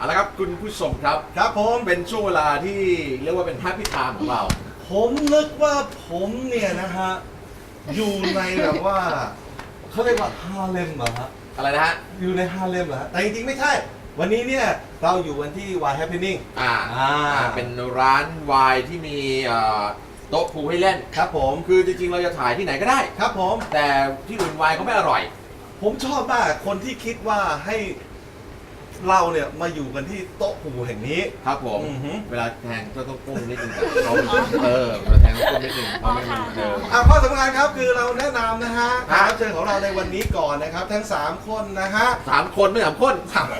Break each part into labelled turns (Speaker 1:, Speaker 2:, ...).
Speaker 1: เอาละครับคุณผู้ชมครับ
Speaker 2: ครับผม
Speaker 1: เป็นช่วงเวลาที่เรียกว่าเป็นแฮปปี้ไทม์ของเรา
Speaker 2: ผมนึกว่าผมเนี่ยนะฮะอยู่ในแบบว่าเขาเรียกว่าฮาเลมเหรอฮะ
Speaker 1: อะไรนะฮะ
Speaker 2: อยู่ในฮาเลมเหรอฮะแต่จริงๆไม่ใช่วันนี้เนี่ยเราอยู่กันที่ Y Happening
Speaker 1: เป็นร้านวายที่มีโต๊ะพูลให้เล่น
Speaker 2: ครับผม
Speaker 1: คือจริงๆเราจะถ่ายที่ไหนก็ได้
Speaker 2: ครับผม
Speaker 1: แต่ที่อื่นวายเขาไม่อร่อย
Speaker 2: ผมชอบมากคนที่คิดว่าให้เราเนี่ยมาอยู่กันที่โต๊ะผูแห่งนี้
Speaker 1: ครับผมเวลาแทงก็ต้องก้มนิดนึงเขาเวลาแทงต้องก้มนิดนึงเพราะไม่มัน
Speaker 2: ข้อสำคัญครับคือเราแนะนำนะฮะแขกรับเชิญของเราในวันนี้ก่อนนะครับทั้ง3คนนะฮะ
Speaker 1: 3 คนไม่3 คน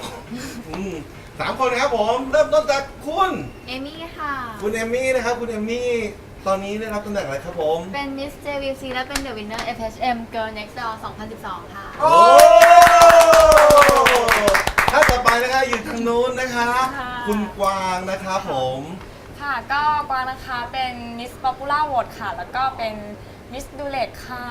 Speaker 2: 3 คนนะครับผมเริ่มต้นจากคุณ
Speaker 3: เอมี่ค่ะ
Speaker 2: คุณเอมี่นะครับคุณเอมี่ตอนนี้ได้รับตำแหน่งอะไรครับผม
Speaker 3: เป็น Miss JVC และเป็น The Winner FHM Girl Next Door 2012 ค่ะ
Speaker 2: โอ้ถ้าต่อไปนะคะอยู่ทางนู้นนะคะคุณกวางนะครับผม
Speaker 4: ค่ะก็กวางนะคะเป็น Miss Popular Vote ค่ะแล้วก็เป็น Miss Dulet ค่ะ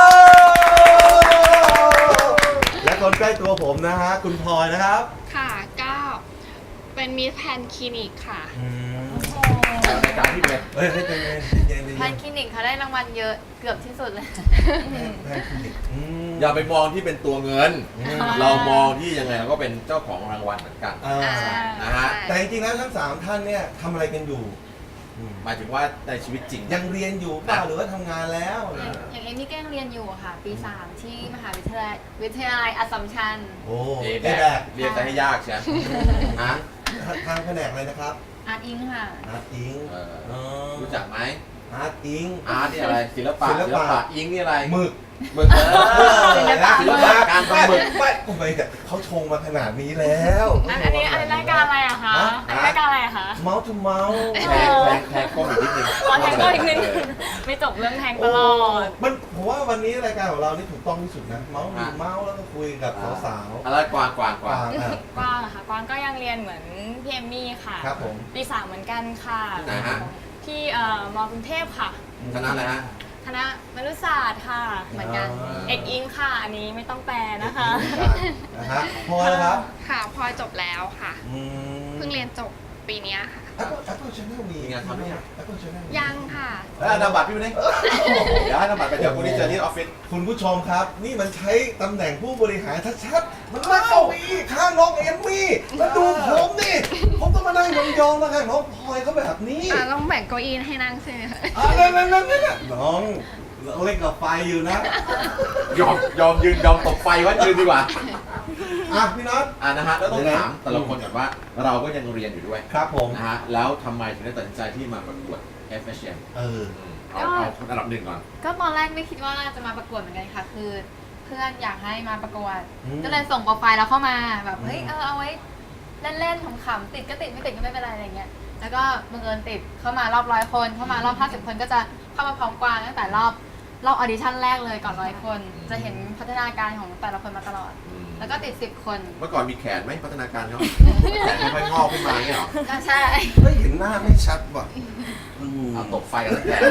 Speaker 2: และคนใกล้ตัวผมนะฮะคุณพลอยนะครับ
Speaker 5: ค่ะก็เป็นมิสแพนคลินิกค่ะ
Speaker 1: รายการที่เลย
Speaker 2: ให้ใจเย็น
Speaker 3: แพนคลินิกเขาได้รางวัลเยอะเกือบที่สุดเลย
Speaker 2: แพนคลินิก
Speaker 1: อย่าไปมองที่เป็นตัวเงินเรามองที่ยังไงเราก็เป็นเจ้าของรางวัลเหมือนกันนะฮะ
Speaker 2: แต่จริงๆแล้วทั้ง3ท่านเนี่ยทำอะไรกันอยู่
Speaker 1: หมายถึงว่าในชีวิตจริง
Speaker 2: ยังเรียนอยู่เปล่าหรือว่าทำงานแล้ว
Speaker 3: อย่างเอมี่ก็ยังเรียนอยู่ค่ะปี 3 ที่มหาวิทยาลัยอัสสัมชัญ
Speaker 2: โอ้
Speaker 1: เรียนแต่ให้ยากใช่ไหม
Speaker 2: ทางแผนกอะไรนะครับ
Speaker 3: อาร์ตอิงค่ะ
Speaker 2: อาร์ตอิง
Speaker 1: รู้จักไหม
Speaker 2: อาร์ตอิง
Speaker 1: นี่อะไรศิลปะอิงนี่อะไร
Speaker 2: หมึก
Speaker 1: ศิลปะการทำหมึก
Speaker 2: ไม่เขาชงมาขนาดนี้แล้ว
Speaker 4: อันนี้รายการอะไรอะคะรายการอะไรอะคะ
Speaker 2: เมาส์ทูเมาส์
Speaker 1: แทงก้มอีกนิดนึง
Speaker 4: แทงก้มอีกนิดไม่จบเรื่องแทงตลอด
Speaker 2: ผมว่าวันนี้รายการของเรานี่ถูกต้องที่สุดนะเมาส์แล้วก็คุยกับสาว
Speaker 1: ๆอะไรกวาง
Speaker 4: ค่ะกวางก็ยังเรียนเหมือนพี่เอมมี่ค่ะ
Speaker 2: ครับผม
Speaker 4: ปี 3เหมือนกันค่ะที่มกรุงเทพค่ะ
Speaker 1: คณะอะไรฮะ
Speaker 4: คณะมนุษยศาสตร์ค่ะเหมือนกันเอกอิงค่ะอันนี้ไม่ต้องแปลนะคะ
Speaker 2: พอแล้วครับ
Speaker 5: ค่ะพอจบแล้วค่ะเพิ่งเรียนจบปีนี้ค่ะ
Speaker 2: Apple Channel มี
Speaker 1: งานทำไหม
Speaker 5: Apple Channel ยังค่ะ
Speaker 1: แล้วนามบัตรพี่วันนี้เดี๋ยวให้นามบัตรไปเดี๋ยวคุณนี่เจอที่ออฟฟิศ
Speaker 2: คุณผู้ชมครับนี่มันใช้ตำแหน่งผู้บริหารชัดๆมันนั่งเก้าอี้ข้างน้องเอมมี่มาดูผมนี่ผมต้องมานั่งยองๆแล้วกันน้องพลอยเขาแบบนี้
Speaker 5: ต้องแบ่งเก้าอี้ให้นั่งใช่ไหมคะ
Speaker 2: นั่นน้องเล่นกับไฟอยู่นะ
Speaker 1: ยอมยืนยอมตกไฟว่ายืนดีกว่า
Speaker 2: พี่น็อต
Speaker 1: นะฮะแล้วต้องถามแต่ละคนก่อนว่าเราก็ยังเรียนอยู่ด้วย
Speaker 2: ครับผม
Speaker 1: นะฮะแล้วทำไมถึงได้ตัดสินใจที่มาประกวด FHM เอาอันดับ1ก่อน
Speaker 3: ก็ตอนแรกไม่คิดว่าจะมาประกวดเหมือนกันค่ะคือเพื่อนอยากให้มาประกวดก็เลยส่งโปรไฟล์เราเข้ามาแบบเฮ้ยเอาไว้เล่นๆขำๆติดก็ติดไม่ติดก็ไม่เป็นไรอะไรเงี้ยแล้วก็บังเอิญติดเข้ามารอบ100 คนเข้ามารอบ50 คนก็จะเข้ามาพร้อมกวางตั้งแต่รอบออดิชั่นแรกเลยก่อน100 คนจะเห็นพัฒนาการของแต่ละคนมาตลอดแล้วก็ติด10 คน
Speaker 1: เมื่อก่อนมีแขนไหมพัฒนาการเขาแขนไม่ค่อยงอกขึ้นมาเนี่ยหรอ
Speaker 3: ใช่
Speaker 2: ไม่เห็นหน้าไม่ชัดว่ะ
Speaker 1: ตกไฟแล้วแข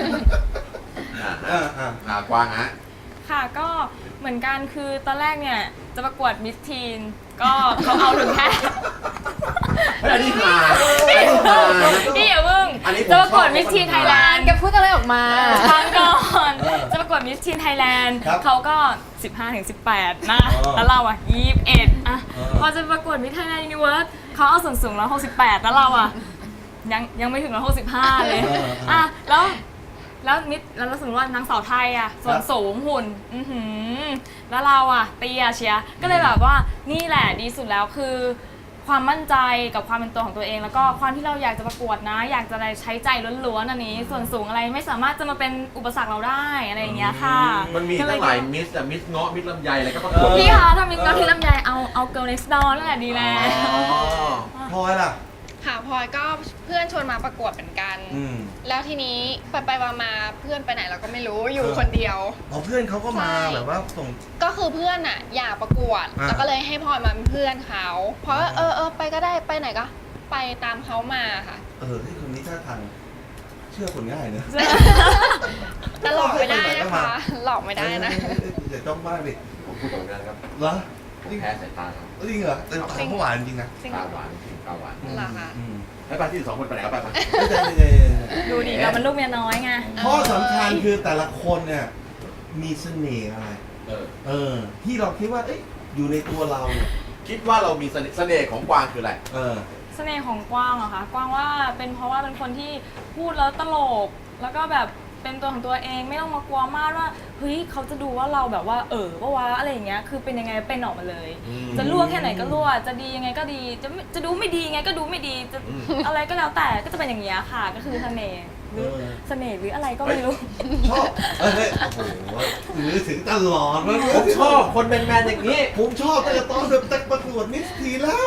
Speaker 1: นกว้างฮะ
Speaker 4: ค่ะก็เหมือนกันคือตอนแรกเนี่ยจะประกวดมิสทีนก็เขาเอาถึงแค่
Speaker 1: อันนี้มา
Speaker 4: พี่อย่าเพิ่งจะประกวดมิสทีนไทยแลนด์
Speaker 3: แกพูดอะไรออกมา
Speaker 4: ฟังก่อนจะประกวดมิสทีนไทยแลนด์เขาก็15-18นะแล้วเราอ่ะ21พอจะประกวดมิสไทยแลนด์ยูนิเวิร์สเขาเอาส่วนสูง168แล้วเราอ่ะยังไม่ถึง165เลยแล้วมิดแล้วสมมติว่านางสาวไทยอ่ะส่วนสูงหุ่นแล้วเราอ่ะเตี้ยเชียก็เลยแบบว่านี่แหละดีสุดแล้วคือความมั่นใจกับความเป็นตัวของตัวเองแล้วก็ความที่เราอยากจะประกวดนะอยากจะใช้ใจล้วนๆอันนี้ส่วนสูงอะไรไม่สามารถจะมาเป็นอุปสรรคเราได้อะไรอย่างเงี้ยค่ะ
Speaker 1: มันมีตั้งหลายมิสเงาะมิสลำไยอะไรก็ประกวด
Speaker 4: พี่คะถ้ามิสเงาะที่ลำไยเอาเกิร์ลเน็กซ์ดอร์นั่นแหละดีแล้ว
Speaker 2: พอล่ะ
Speaker 5: ค่ะพลอยก็เพื่อนชวนมาประกวดเหมือนกันแล้วทีนี้ไปมาเพื่อนไปไหนเราก็ไม่รู้อยู่คนเดียว
Speaker 2: เพื่อนเขาก็มาแบบว่าส่ง
Speaker 5: ก็คือเพื่อนอ่ะอยากประกวดแล้วก็เลยให้พลอยมาเป็นเพื่อนเขาเพราะไปก็ได้ไปไหนก็ไปตามเขามาค่ะ
Speaker 2: ที่คนนี้ท่าทางเชื่อคนง่ายเนอะ
Speaker 5: แต่หลอกไม่ได้นะคะหลอกไม่ได้นะ
Speaker 2: อย่าจ้องมากดิ
Speaker 1: ผมพูดตรงกันครับ
Speaker 2: เหรอ
Speaker 1: แพ้สายตาครับ
Speaker 2: จริงเหรอแต่ของเขาหวานจริงนะ
Speaker 5: จริง
Speaker 1: ตาหวานจริงตาหวาน
Speaker 5: เหรอคะ
Speaker 1: ให้ป้าที่สองคนไปไหนครับป้า
Speaker 4: ดูดิเรามันลูกเมียน้อยไง
Speaker 2: ข้อสำคัญคือแต่ละคนเนี่ยมีเสน่ห์อะไร ที่เราคิดว่าเอ้ยอยู่ในตัวเราเนี่ย
Speaker 1: คิดว่าเรามีเสน่ห์ของกวางคืออะไร
Speaker 4: เสน่ห์ของกวางเหรอคะ กวางว่าเป็นเพราะว่าเป็นคนที่พูดแล้วตลก แล้วก็แบบเป็นตัวของตัวเองไม่ต้องมากลัวมากว่าเฮ้ยเขาจะดูว่าเราแบบว่าปะวะอะไรอย่างเงี้ยคือเป็นยังไงเป็นออกมาเลย จะรั่วแค่ไหนก็รั่วจะดียังไงก็ดีจะดูไม่ดียังไงก็ดูไม่ดีจะอะไรก็แล้วแต่ก็จะเป็นอย่างเงี้ยค่ะ ก็คือเสน่ห์หรือเสน่ห์หรืออะไรก็ไม่รู้
Speaker 2: ชอบโอ้โหถือถึงตลอดแล้ว
Speaker 1: ผมชอบคนแมนๆอย่างนี้
Speaker 2: ผมชอบตั้งแต่ตอนจะประกวดมิสทีแล้ว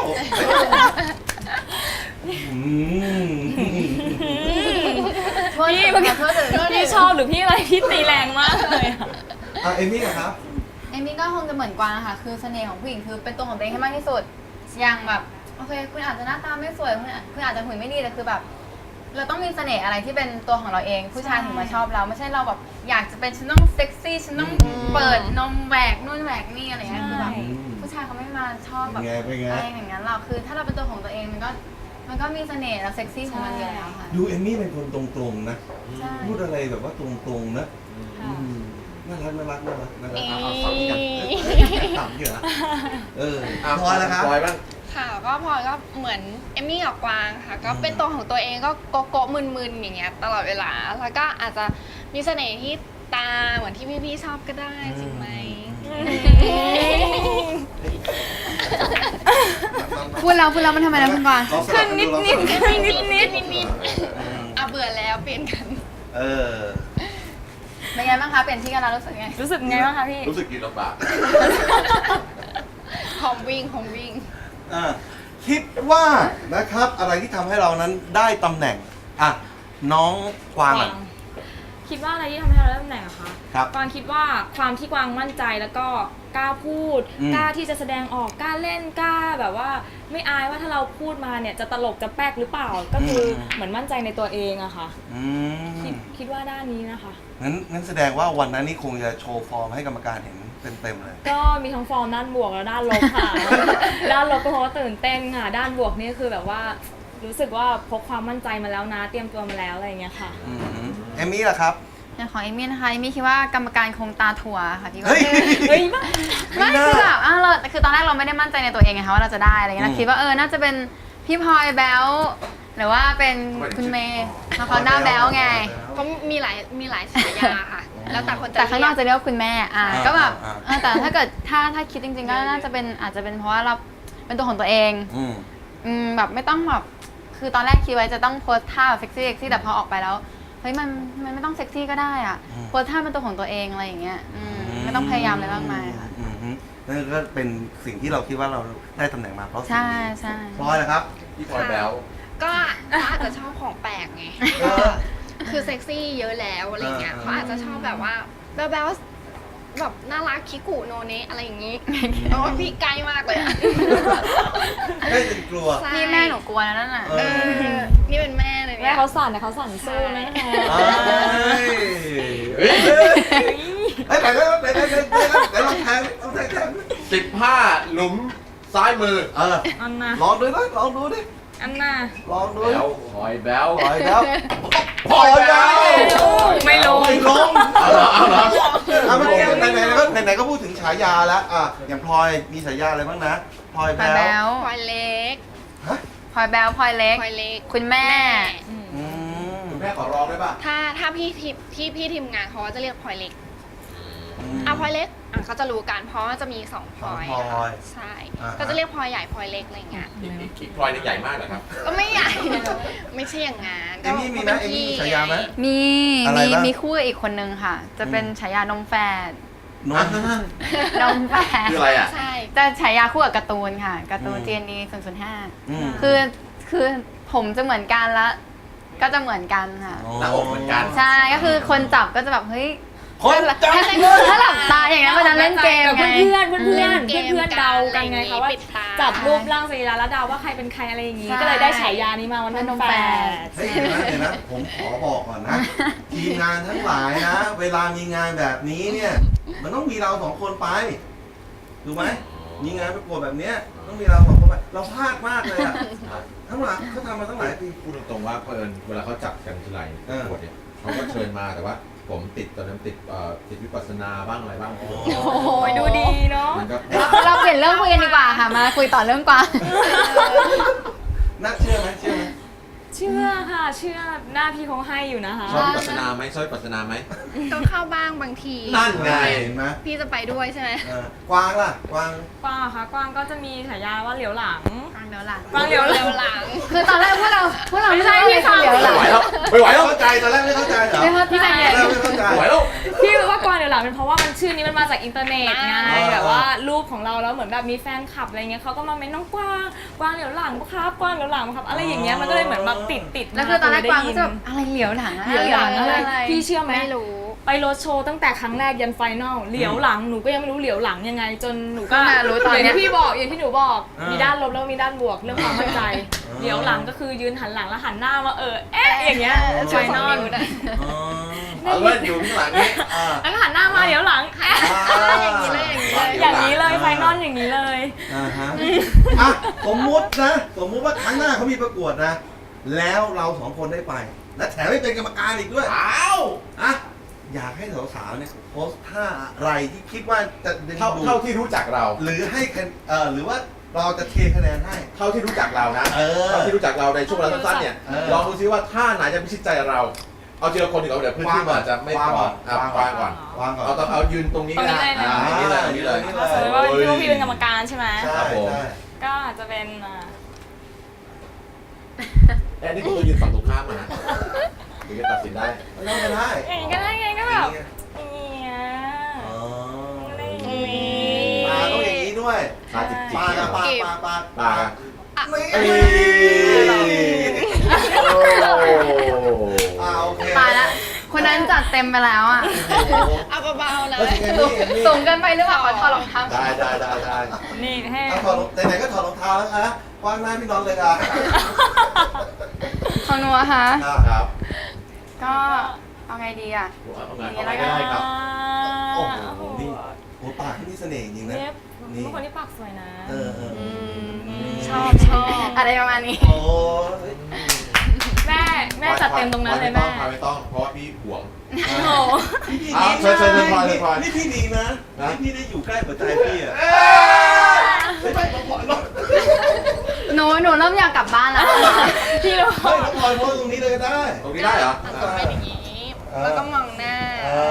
Speaker 4: พี่ชอบหรือพี่อะไรพี่ตีแรงมากเลยอะ
Speaker 2: เอมี่ครับ
Speaker 3: เอมี่ก็คงจะเหมือนกวางค่ะ คือเสน่ห์ของผู้หญิงคือเป็นตัวของตัวเองให้มากที่สุด อย่างแบบโอเคคุณอาจจะหน้าตาไม่สวยคุณอาจจะหุ่นไม่ดีแต่คือแบบเราต้องมีเสน่ห์อะไรที่เป็นตัวของเราเอง ผู้ชายถึงมาชอบเราไม่ใช่เราแบบอยากจะเป็นฉันต้องเซ็กซี่ฉันต้องเปิดนมแหวกนู่นแหวกนี่อะไรเงี้ยคือแบบผู้ชายเขาไม่มาชอบแบบอะไรอย่างนั้นเราคือถ้าเราเป็นตัวของตัวเองมันก็มีเสน่ห์และเซ็กซี่ของมันอยู่แล้วค่ะ
Speaker 2: ดูเอมี่เป็นคนตรงๆนะ
Speaker 3: ใช่
Speaker 2: พูดอะไรแบบว่าตรงๆนะน่ารักต่ำอยู่นะพอแล้วครับ
Speaker 1: พลอยบ้าง
Speaker 5: ค่ะก็พลอยก็เหมือนเอมมี่กับกวางค่ะ ก็เป็นตัวของตัวเองก็โกโก้มึนๆอย่างเงี้ยตลอดเวลาแล้วก็อาจจะมีเสน่ห์ที่ตาเหมือนที่พี่ๆชอบก็ได้จริงไหม
Speaker 3: พูดแล้วมันทำไมนะคุณกวาง
Speaker 4: ขึ้นนิดนิด
Speaker 5: อ่ะเบื่อแล้วเปลี่ยนกัน
Speaker 3: เป็นไงบ้างคะเปลี่ยนที่กันแล้วรู้สึกไง
Speaker 4: รู้สึกไงบ้างคะพี่
Speaker 1: รู้สึกกินลำบาก
Speaker 5: หอมวิ่ง
Speaker 2: คิดว่านะครับอะไรที่ทำให้เรานั้นได้ตำแหน่งน้องกวาง
Speaker 4: คิดว่าอะไรที่ทำให้เราได้ตำแหน่งอะคะ
Speaker 2: ครับ
Speaker 4: กวางคิดว่าความที่กวางมั่นใจแล้วก็กล้าพูด กล้าที่จะแสดงออกกล้าเล่นกล้าแบบว่าไม่อายว่าถ้าเราพูดมาเนี่ยจะตลกจะแป๊กหรือเปล่าก็คือเหมือนมั่นใจในตัวเองอะค่ะคิดว่าด้านนี้นะคะ
Speaker 2: งั้นแสดงว่าวันนั้นนี่คงจะโชว์ฟอร์มให้กรรมการเห็นเต็มๆเลย
Speaker 4: ก็มีทั้งฟอร์มด้านบวกและด้านลบค่ะ ด้านลบก็เพราะว่าตื่นเต้นค่ะ ด้านบวกนี่คือแบบว่ารู้สึกว่าพกความมั่นใจมาแล้วนะเตรียมตัวมาแล้วอะไรอย่างเงี้ยค่ะ
Speaker 2: เอมี่ล่ะครับ
Speaker 3: อย่างของเอมี่นะคะเอมี่คิดว่ากรรมการคงตาถั่วค่ะพี่ว่า
Speaker 4: เฮ้ยบ้า
Speaker 3: ไม่คือแบบเราคือตอนแรกเราไม่ได้มั่นใจในตัวเองไงคะว่าเราจะได้อะไรเงี้ยเราคิดว่าน่าจะเป็นพี่พลอยแบลหรือว่าเป็นคุณเมย์เพราะเขาหน้าแบลไง
Speaker 5: เพราะมีหลายฉายาค่ะ แล้วแต่คนจะ
Speaker 3: แต่ข้างนอกจะ
Speaker 5: เรียก
Speaker 3: เรียกว่าคุณแม่ก็แบบแต่ถ้าเกิดถ้าคิดจริงๆก็น่าจะเป็นอาจจะเป็นเพราะว่าเราเป็นตัวของตัวเองแบบไม่ต้องแบบคือตอนแรกคิดไว้จะต้องโพสท่าเซ็กซี่แต่พอออกไปแล้วเฮ้ยมันไม่ต้องเซ็กซี่ก็ได้อ่ะโพสท่าเป็นตัวของตัวเองอะไรอย่างเงี้ยไม่ต้องพยายามอะไรมากมายค่ะ
Speaker 2: นั่นก็เป็นสิ่งที่เราคิดว่าเราได้ตำแหน่งมาเพราะสิ่ง
Speaker 3: ใช่
Speaker 2: นี้
Speaker 3: ใช่
Speaker 2: พลอยนะครับ
Speaker 1: พี่พลอยแบล
Speaker 5: ก็อาจจะชอบของแปลกไง คือเซ็กซี่เยอะแล้วอะไรเงี้ยเขาอาจจะชอบแบบว่าแบ๊วๆแบบน่ารักคิกุโนเนะอะไรอย่างงี้เพราะว่าพี่ใกล้มากเลยอะ
Speaker 2: ไม่เป็นกลัว
Speaker 5: ใช่
Speaker 3: นี่แม่หนูกลัวนะนั่นน่ะ
Speaker 5: นี่เป็นแม่เลย
Speaker 4: แม่
Speaker 5: เนี่ย
Speaker 4: เขาสั่นแต่เขาสั่นสู้นะคะ
Speaker 2: ไหนลองแทง
Speaker 1: 15 หลุมซ้ายมือ
Speaker 4: อันน่ะ
Speaker 2: ลองดูนะลองดูดิ
Speaker 4: อันน่ะ
Speaker 2: ลองดู
Speaker 1: แบลพลอยแบล
Speaker 2: พลอยแล้ว
Speaker 1: พลอยแบล
Speaker 4: ไม่ลง
Speaker 2: ไม่ลง
Speaker 1: เอาเหรอ
Speaker 2: เมื่อกี้ไหนก็พูดถึงฉายาแล้วอย่างพลอยมีฉายาอะไรบ้างนะพลอย
Speaker 3: พลอยแบ
Speaker 2: แบ๊
Speaker 3: ล
Speaker 5: พลอยเล็ก
Speaker 3: พลอยแบลพลอยเล็ก
Speaker 5: พลอยเล็ก
Speaker 3: คุณแม่
Speaker 1: คุณแม่ขอร้องได้ป่ะ
Speaker 5: ถ้าพี่ทีมงานเขาก็จะเรียกพลอยเล็กพลอยเล็กเขาจะรู้กันเพราะว่าจะมี2พลอยใช่ก็จะเรียกพลอยใหญ่พลอยเล็กอะไรเงี้ย
Speaker 1: อีกพลอยนี่ใหญ่มากเหรอครับ
Speaker 5: ก็ไม่ใหญ่ ไม่ใช่อย่างงั้น
Speaker 2: เอมี่มีไหมเอมี่มีฉายาไหม
Speaker 3: มี
Speaker 2: อะไรบ้าง
Speaker 3: มีคู่กับอีกคนนึงค่ะ จะเป็นฉายานมแฝด
Speaker 2: นม
Speaker 3: นมแฝด
Speaker 1: คืออะไรอ่ะ
Speaker 5: ใช่
Speaker 3: จะฉายาคู่กับการ์ตูนค่ะการ์ตูน GND 005
Speaker 2: คือ
Speaker 3: คือผมจะเหมือนกันแล้วก็จะเหมือนกันค่ะ
Speaker 1: หน้าอกเหมือนกัน
Speaker 3: ใช่ก็คือคนจับก็จะแบบเฮ้ย
Speaker 2: คนจับ
Speaker 3: ถ้าหลับตาอย่างนั้นมันจะเล่นเกมไง
Speaker 4: เพื่อนเดากันไงคะว่า
Speaker 5: ปิดตา
Speaker 4: จับรูปร่างสรีระแล้วเดาว่าใครเป็นใครอะไรอย่างงี้ ก็เลยได้ฉายานี้มาวันนั้นแฟน
Speaker 2: เฮ้ยเดี๋ยวนะผมขอบอกก่อนนะ ทีมงานทั้งหลายนะ เวลามีงานแบบนี้เนี่ย มันต้องมีเรา2 คนไปถูกไหมมีงานประกวดแบบเนี้ยต้องมีเราสองคนไปเราพลาดมากเลยอะทั้งหลังเขาทำมาตั้งหลายปี
Speaker 1: พูดตรงๆว่าเพิ่นเวลาเขาจัดกันทีไรประกวดเนี่ยเขาก็เชิญมาแต่ว่าผมติดตอนนั้นติดวิปัสสนาบ้างอะไรบ้าง
Speaker 4: โอ้โหดูดีเนาะ
Speaker 1: มันก็
Speaker 3: เราเปลี่ยนเรื่องคุยกันดีกว่าค่ะ มาคุยต่อเรื่องกวาง
Speaker 2: น่าเชื่อไหมเชื่อไหม
Speaker 4: เชื่อค่ะเชื่อหน้าพี่เขาให้อยู่นะคะ
Speaker 1: ชอบวิปัสสนาไหมชอบวิปัสสนาไหม
Speaker 5: ต้องเข้าบ้างบางที
Speaker 1: นั่นไง
Speaker 2: เห็นไหม
Speaker 5: พี่จะไปด้วยใช่ไหม
Speaker 2: กวางล่ะกวาง
Speaker 4: กวางเหรอคะกวางก็จะมีฉายาว่าเหลียวหลัง
Speaker 3: กวางเดี๋ยวหลัง
Speaker 4: กวางเหลียวหลัง
Speaker 3: คือตอนแรกพวกเรา
Speaker 4: ไม่ใช่พี่ค่ะ
Speaker 3: เดี๋ยวหลั
Speaker 1: ไม่
Speaker 3: ง
Speaker 1: ไหวแล้วไม่ไหวแล้ว
Speaker 2: เข้าใจตอนแรกไม่เข้าใจเหรอ
Speaker 3: ไม่เข้าใจ
Speaker 2: ไม่เข้าใจ
Speaker 1: ไม่ไหวแล้ว
Speaker 4: พี่รู้ว่ากวางเหลียวหลังเป็นเพราะว่ามันชื่อนี้มันมาจากอินเทอร์เน็ตไง
Speaker 2: อ่า
Speaker 4: แบบว่ารูปของเราแล้วเหมือนแบบมีแฟนคลับอะไรเงี้ยเขาก็มาเม้นน้องกวางเหลียวหลังปะครับกวางเหลียวหลังปะครับอะไรอย่างเงี้ยมันก็เลยเหมือนแบบติด
Speaker 3: แล้วคือตอนแรกกวางก็
Speaker 4: ได้
Speaker 3: จะ
Speaker 4: ยิ
Speaker 3: แบบอะไรเหลียวหลัง
Speaker 4: เหลียวหลังอะไร
Speaker 3: อะไร
Speaker 4: พี่เชื่อไหม
Speaker 5: ไม่รู้
Speaker 4: ไปโรดโชว์ตั้งแต่ครั้งแรกยันไฟนอลเหลียวหลังหนูก็ยังไม่รู้เหลียวหลังยังไง จนหนูก็
Speaker 3: มารู้ตอน
Speaker 4: อย่าง
Speaker 3: เนี้ย
Speaker 4: ที่พี่บอกอย่างที่หนูบอก
Speaker 2: อ่ามี
Speaker 4: มีด้านลบแล้วก็มีด้านบวกเรื่องความมั่นใจ เหลียวหลังก็คือยืนหันหลังแล้วหันหน้ามาเอ๊ะอย่างเงี้ยไฟนอล
Speaker 2: อ๋อ
Speaker 1: เอาว่าอยู่ข้างหลังนี่
Speaker 4: แล้วก็หันหน้ามาเหลียวหลังเอ๊ะ
Speaker 5: อย่างนี้เลยอย่างนี้เลย
Speaker 4: อย่างนี้เลยไฟนอลอย่างนี้เลย
Speaker 2: ฮะอ่ะสมมุตินะสมมุติว่าครั้งหน้าเขามีประกวดนะ แล้วเราสองคนได้ไป และแถมไม่เป็นกรรมการอีกด้วย
Speaker 1: อ้าว
Speaker 2: อ่ะอยากให้สาวๆเนี่ยโพสท่าอะไรที่คิดว่าจะดึงดู
Speaker 1: เท่า
Speaker 2: ด
Speaker 1: ที่รู้จักเรา
Speaker 2: หรือให้คะหรือว่าเราจะเทคะแนนให้
Speaker 1: เท่าที่รู้จักเรานะ
Speaker 2: เออ
Speaker 1: เท่าที่รู้จักเราในช่วงเวลาสั้นๆเนี่ย
Speaker 2: เออ
Speaker 1: ลองดูซิว่าท่าไหนจะพิชิตใจเรา เอาทีละคนดีกว่าเดี๋ยวเพื่อนที่มาจะไม่พอวางก่อน
Speaker 2: วางก่อน
Speaker 1: เอายืนตรงนี้
Speaker 4: ตรงนี้เลยนะ
Speaker 1: อย่างนี้เลยอย่างนี้เลย
Speaker 2: นี่
Speaker 4: ก็แสดงว่าพี่ว่าพี่เป็นกรรมการใช่ไหม
Speaker 2: ใช่
Speaker 1: ครับผม
Speaker 2: ใช่
Speaker 4: ก็อาจจะเป็น
Speaker 1: นี่ผมต้องยืนฝั่งตรงข้ามมานะถึงจะตัดสินได้
Speaker 2: ไม่ต้องก็ได้
Speaker 4: อย่างนี้ก็ได้ไงก็แบบอย่างเงี้ย
Speaker 2: อ๋อ
Speaker 4: อะไรอย่างงี้
Speaker 2: ปากต้องอย่างนี้ด้วย
Speaker 1: ตาจิกๆ
Speaker 2: ปากอะปากปากปาก
Speaker 1: ปากอะ
Speaker 2: ไม่
Speaker 1: เอ้ยโอ้
Speaker 2: โอเค
Speaker 3: ตายละคนนั้นจัดเต็มไปแล้วอ่ะ
Speaker 5: เอาเบาๆเล
Speaker 2: แล้ว
Speaker 5: ย
Speaker 2: ถึงไงนี่เห็นนี่
Speaker 3: สูงเกินไปหรือเปล่าขอถอดรองเท้า
Speaker 1: ได้
Speaker 4: นี่ให้
Speaker 2: เอาถอดไหนๆก็ถอดรองเท้าแล้วนะวางหน้าพี่นอนเลยอ่ะ
Speaker 3: ของหนูอะคะ
Speaker 1: ครับ
Speaker 3: ก็เอาไงดีอ่ะ
Speaker 1: เอาไงก็ได้ครับ
Speaker 2: โอ้โหนี่โอ้ปากที่นี่เสน่ห์จริงนะ
Speaker 4: เนี่ยเป็นคนที่ปากสวยนะ
Speaker 2: เออ
Speaker 4: ชอบ
Speaker 3: อะไรประมาณนี้
Speaker 2: โอ้
Speaker 4: แม่จัดเต็มตรงนั้นเลยแม่
Speaker 1: ไม่ต้องเพราะว่าพี่ห่วง
Speaker 4: โอ้โห
Speaker 1: เชิญพลอย
Speaker 2: นี่พี่ดีนะนี่พี่ได้อยู่ใกล้หัวใจพี่อ่ะไม่ไม่ต้องพลอยหรอก
Speaker 3: หนูเริ่มอยากกลับบ้านแล้ว
Speaker 4: พี่รู้
Speaker 2: ไม่ต้องพลอยโพสตรงนี้เลยก็ได้
Speaker 1: ตรงนี้ได้เหรอ
Speaker 5: ต้องเป็นอย่างนี้ แล้วก็มองหน้า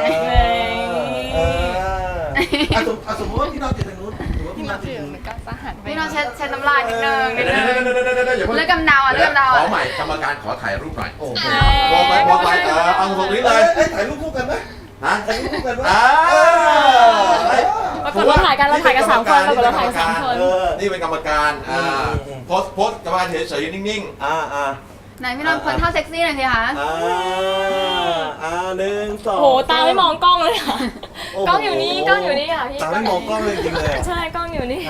Speaker 2: สมมติว่าพี่นอนอยู่ตรงนู้นสมมติว่า
Speaker 5: พี่
Speaker 2: พี่
Speaker 5: น
Speaker 2: น
Speaker 5: อ
Speaker 2: อน นอยู่
Speaker 5: ถือ
Speaker 2: ตรงนู้น
Speaker 5: มันก็สหันไป
Speaker 3: พี่น้องเช็ดน้ำลายนิดนึง
Speaker 1: เดี๋ยวอย่าเพิ่ง
Speaker 3: เลือกกำเดาอ่ะเลือกกำเดา
Speaker 1: ข
Speaker 3: อ่ะ
Speaker 1: อใหม่กรรมการขอถ่ายรูปหน่อย
Speaker 2: โอ้โห
Speaker 1: บอกไปเอาตรงนี้เลย
Speaker 2: ถ่ายรูปคู่กันไหม
Speaker 1: ฮะ
Speaker 2: ถ่ายรูปคู่กันไหม
Speaker 4: ปรากฏเราถ่ายกันสามคนปรากฏเราถ่ายกันสามคน
Speaker 1: นี่เป็นกรรมการโพสกรรมการเฉยๆนิ่ง
Speaker 3: ไหนพี่น้องคนท่าเซ็กซี่หน่อยสิคะ
Speaker 2: หนึ่งสอง
Speaker 4: โหตาไม่มองกล้องเลยค่ะกล้องอยู่นี่ค่ะพี่
Speaker 2: ตาไม่มองกล้องเลยจริงเลย
Speaker 4: ใช่กล้องอยู่นี่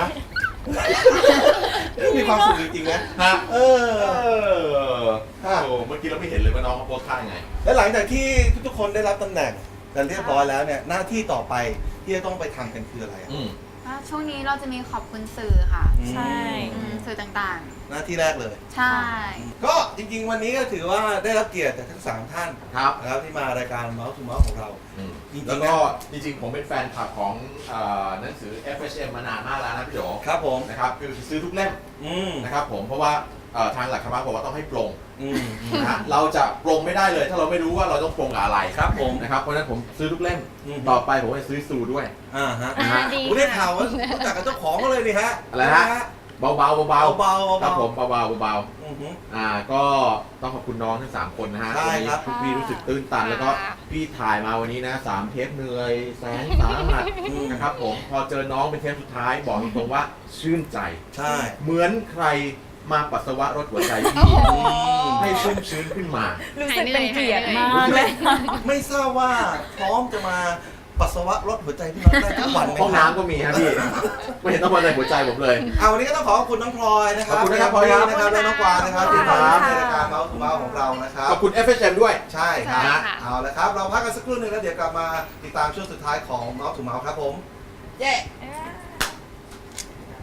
Speaker 2: มีความสุขจริงๆนะ
Speaker 1: ๆฮะโอ้เมื่อกี้เราไม่เห็นเลยว่าน้องเขาโพสท่ายังไง
Speaker 2: และหลังจากที่ทุกคนได้รับตำแหน่งกันเรียบร้อยแล้วเนี่ยหน้าที่ต่อไปที่จะต้องไปทำกันคืออะไร
Speaker 3: ช่วงนี้เราจะมีขอบคุณสื่อค่ะ
Speaker 4: ใช่
Speaker 3: สื่อต่าง
Speaker 2: หน้าที่แรกเลย
Speaker 3: ๆ ใช่
Speaker 2: ก็จริงๆวันนี้ก็ถือว่าได้รับเกียรติจากทั้ง3ท่าน
Speaker 1: ครับ
Speaker 2: นะครับที่มารายการเมาส์ทูเมาส์ของเรา จริงๆ
Speaker 1: แล้วก็จริงๆผมเป็นแฟนคลับของหนังสือ FHM มานานมากแล้วนะพี่โจ
Speaker 2: ครับผม
Speaker 1: นะครับคือซื้อทุกเล่ม
Speaker 2: อืม
Speaker 1: นะครับผมเพราะว่าทางหลักธรรมะบอกว่าต้องให้ปรง
Speaker 2: อืม
Speaker 1: นะฮะเราจะปรงไม่ได้เลย ถ้าเราไม่รู้ว่าเราต้องปรงกับอะไร
Speaker 2: ครับผม
Speaker 1: นะครับเพราะฉะนั้นผมซื้อทุกเล่ม
Speaker 2: อืม
Speaker 1: ต่อไปผมจะซื้อซูด้วย
Speaker 2: ฮะ
Speaker 1: นะฮะ
Speaker 5: ดี
Speaker 2: ผมได้ข่าวว่ารู้จักกับเจ้าของก็เลยนี่ฮะ
Speaker 1: อะไรฮะ เบาๆ
Speaker 2: เบา
Speaker 1: เบา
Speaker 2: เบา
Speaker 1: ๆครับผมเบาๆ
Speaker 2: อือหือ
Speaker 1: ก็ต้องขอบคุณน้องทั้ง3คนนะฮะ
Speaker 2: ใช่ครับ
Speaker 1: วันนี้พี่รู้สึกตื้นตันแล้วก็พี่ถ่ายมาวันนี้นะ3เทปเหนื่อยแสนสาหัสนะครับผมพอเจอน้องเป็นเทปสุดท้ายบอกตรงๆว่าชื่นใจ
Speaker 2: ใช่
Speaker 1: เหมือนใครมาปัสสาวะรดหัวใจพี่ให้ชุ่มชื้นขึ้นมา
Speaker 4: รู้สึกเป็นเกียรติมากเลย
Speaker 2: ไม่ทราบว่าพร้อมจะมาปัสสาวะรดหัวใจพี่น้องได้ทุกวันไหม
Speaker 1: ห้องน้ำก็มีฮะพี่ ไม่เห็นต้องมาในหัวใจผมเลย
Speaker 2: วันนี้ก็ต้องขอบคุณน้องพลอยนะครับ
Speaker 1: ขอบคุณนะครับพลอยครับ
Speaker 2: นะครับและน้องกวางนะครับที่มาในรายการเมาส์ทูเมาส์ของเรานะครับ
Speaker 1: ขอบคุณ FHM ด้วย
Speaker 2: ใช่ครับเอาละครับเราพักกันสักครู่หนึงแล้วเดี๋ยวกลับมาติดตามช่วงสุดท้ายของเมาส์ทูเมาส์ครับผม
Speaker 1: เย้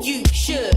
Speaker 6: you should.